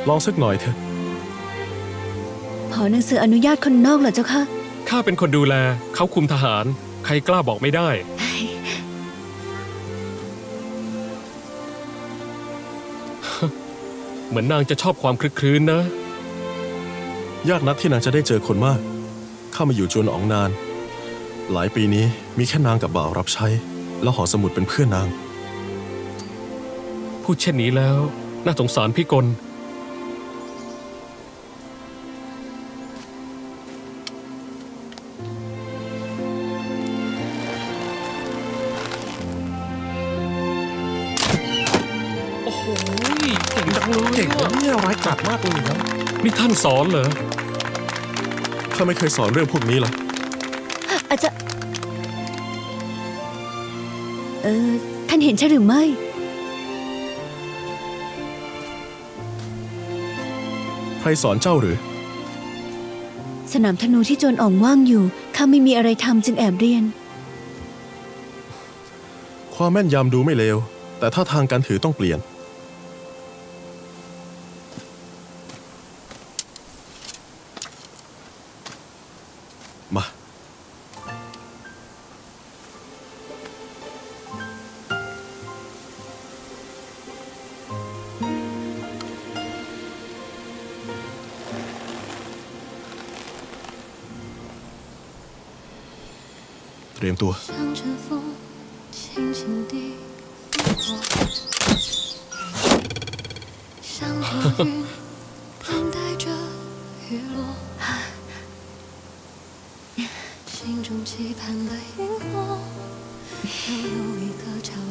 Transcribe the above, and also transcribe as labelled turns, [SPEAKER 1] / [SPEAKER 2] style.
[SPEAKER 1] ลองสักหน่อยเถอะ
[SPEAKER 2] ขอหนังสืออนุญาตคนนอกเหรอเจ้าคะ
[SPEAKER 3] ข้าเป็นคนดูแลเขาคุมทหารใครกล้าบอกไม่ได้ เหมือนนางจะชอบความคลึกครื้นนะ
[SPEAKER 1] ยากนักที่นางจะได้เจอคนมากข้ามาอยู่จวนอ๋องนาน หลายปีนี้มีแค่นางกับบ่าวรับใช้ แล้วหอสมุดเป็นเพื่อนนาง
[SPEAKER 3] พูดเช่นนี้แล้วน่าสงสารพี่กลโอ้โหเก่งจังเลย
[SPEAKER 1] เก่งนะเนี่ยร้ายกาจมากเลยนะ
[SPEAKER 3] นี่ท่านสอนเหรอ
[SPEAKER 1] ข้าไม่เคยสอนเรื่องพวกนี้หรอก
[SPEAKER 2] อาจจะท่านเห็นใช่หรือไม่
[SPEAKER 1] ใครสอนเจ้าหรือ
[SPEAKER 2] สนามธนูที่โจรอ่องว่างอยู่ข้าไม่มีอะไรทำจึงแอบเรียน
[SPEAKER 1] ความแม่นยำดูไม่เลว แต่ท่าทางการถือต้องเปลี่ยน มา เตรียมตัว
[SPEAKER 4] 像阵风，轻轻地拂过，像朵云，等待着雨落。心中期盼的萤火，又有一个角